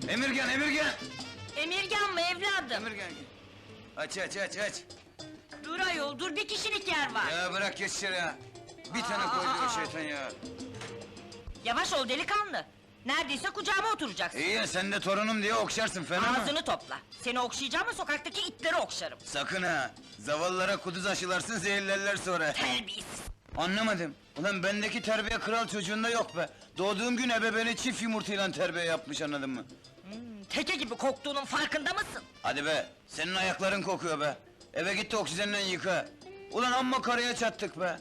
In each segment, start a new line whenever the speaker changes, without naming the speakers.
Emirgan, Emirgan!
Emirgan mı evladım?
Emirgan! Aç, aç, aç, aç!
Dur ayol, dur bir kişilik yer var.
Ya bırak geç içeri ya! Bir tane koydu o şeytan ya!
Yavaş ol delikanlı. Neredeyse kucağıma oturacaksın.
İyi ya, sen de torunum diye okşarsın, fena mı?
Ağzını topla. Seni okşayacağım ama sokaktaki itleri okşarım.
Sakın ha! Zavallılara kuduz aşılarsın, zehirlerler sonra!
Terbiyesiz!
Anlamadım! Ulan bendeki terbiye kral çocuğunda yok be! Doğduğum gün ebeveyni çift yumurtayla terbiye yapmış, anladın mı?
Teke gibi koktuğunun farkında mısın?
Hadi be! Senin ayakların kokuyor be! Eve git de oksijenle yıka! Ulan amma karaya çattık be!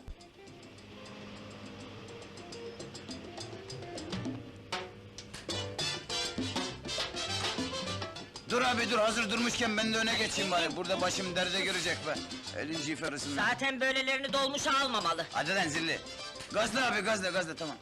Dur abi dur, hazır durmuşken ben de öne geçeyim bari, burada başım derde girecek be! Elin ciferisinden!
Zaten böylelerini dolmuşa almamalı.
Hadi lan zilli! Gazla abi, gazla, gazla, tamam!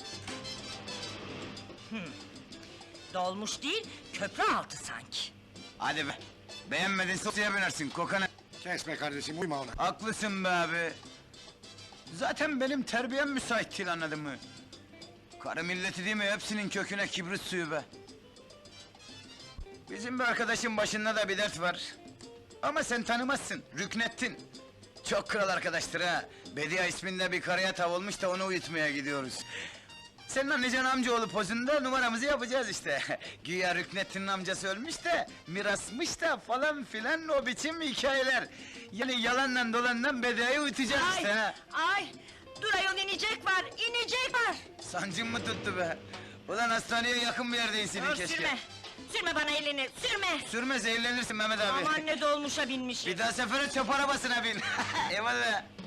Dolmuş değil, köprü altı sanki.
Hadi be! Beğenmedin sosyaya binersin, kokana!
Kes be kardeşim, uyma ona.
Haklısın be abi! Zaten benim terbiyem müsait değil, anladın mı? Karı milleti değil mi, hepsinin köküne kibrit suyu be! Bizim bir arkadaşın başında da bir dert var. Ama sen tanımazsın, Rüknettin! Çok kral arkadaştır ha! Bediye isminde bir karıya tav olmuş da onu uyutmaya gidiyoruz. Senin anlayacaksın amcaoğlu pozunda numaramızı yapacağız işte. Güya Rüknettin'in amcası ölmüş de, mirasmış da falan filan o biçim hikayeler. Yani yalanla dolanla Bediye'yi uyutacağız
Ay,
işte ha.
ay! Dur ayol, inecek var, inecek var!
Sancın mı tuttu be? Ulan hastaneye yakın bir yerdeydin
Dur,
keşke.
sürme! Sürme bana elini, sürme!
Sürme, zehirlenirsin Mehmet abi.
Aman ne dolmuşa binmişim.
Bir daha sefere çöp arabasına bin. Eyvallah.